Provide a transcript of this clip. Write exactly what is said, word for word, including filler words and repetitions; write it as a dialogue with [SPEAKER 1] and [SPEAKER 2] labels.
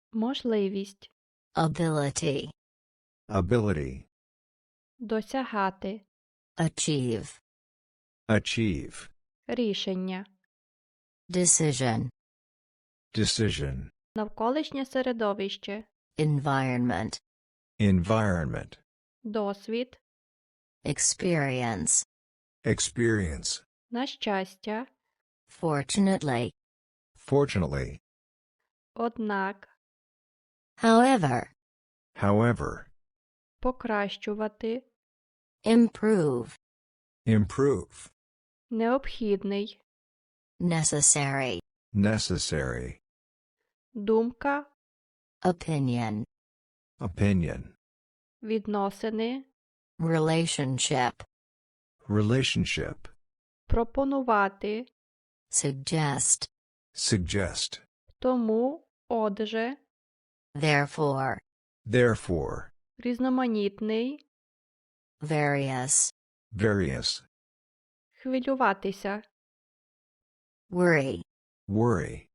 [SPEAKER 1] Можливість.
[SPEAKER 2] Ability.
[SPEAKER 3] Ability.
[SPEAKER 1] Досягати.
[SPEAKER 2] Achieve.
[SPEAKER 3] Achieve.
[SPEAKER 1] Рішення.
[SPEAKER 2] Decision.
[SPEAKER 3] Decision.
[SPEAKER 1] Навколишнє середовище.
[SPEAKER 2] Environment.
[SPEAKER 3] Environment.
[SPEAKER 1] Досвід.
[SPEAKER 2] Experience.
[SPEAKER 3] Experience.
[SPEAKER 1] На щастя.
[SPEAKER 2] Fortunately.
[SPEAKER 3] Fortunately.
[SPEAKER 1] Однак.
[SPEAKER 2] However.
[SPEAKER 3] However.
[SPEAKER 1] Покращувати.
[SPEAKER 2] Improve.
[SPEAKER 3] Improve.
[SPEAKER 1] Необхідний.
[SPEAKER 2] Necessary.
[SPEAKER 3] Necessary.
[SPEAKER 1] Думка.
[SPEAKER 2] Opinion.
[SPEAKER 3] Opinion.
[SPEAKER 1] Відносини.
[SPEAKER 2] Relationship.
[SPEAKER 3] Relationship.
[SPEAKER 1] Пропонувати.
[SPEAKER 2] Suggest.
[SPEAKER 3] Suggest.
[SPEAKER 1] Тому, отже.
[SPEAKER 2] Therefore.
[SPEAKER 3] Therefore.
[SPEAKER 1] Різноманітний.
[SPEAKER 2] Various.
[SPEAKER 3] Various.
[SPEAKER 1] Хвилюватися.
[SPEAKER 2] Worry.
[SPEAKER 3] Worry.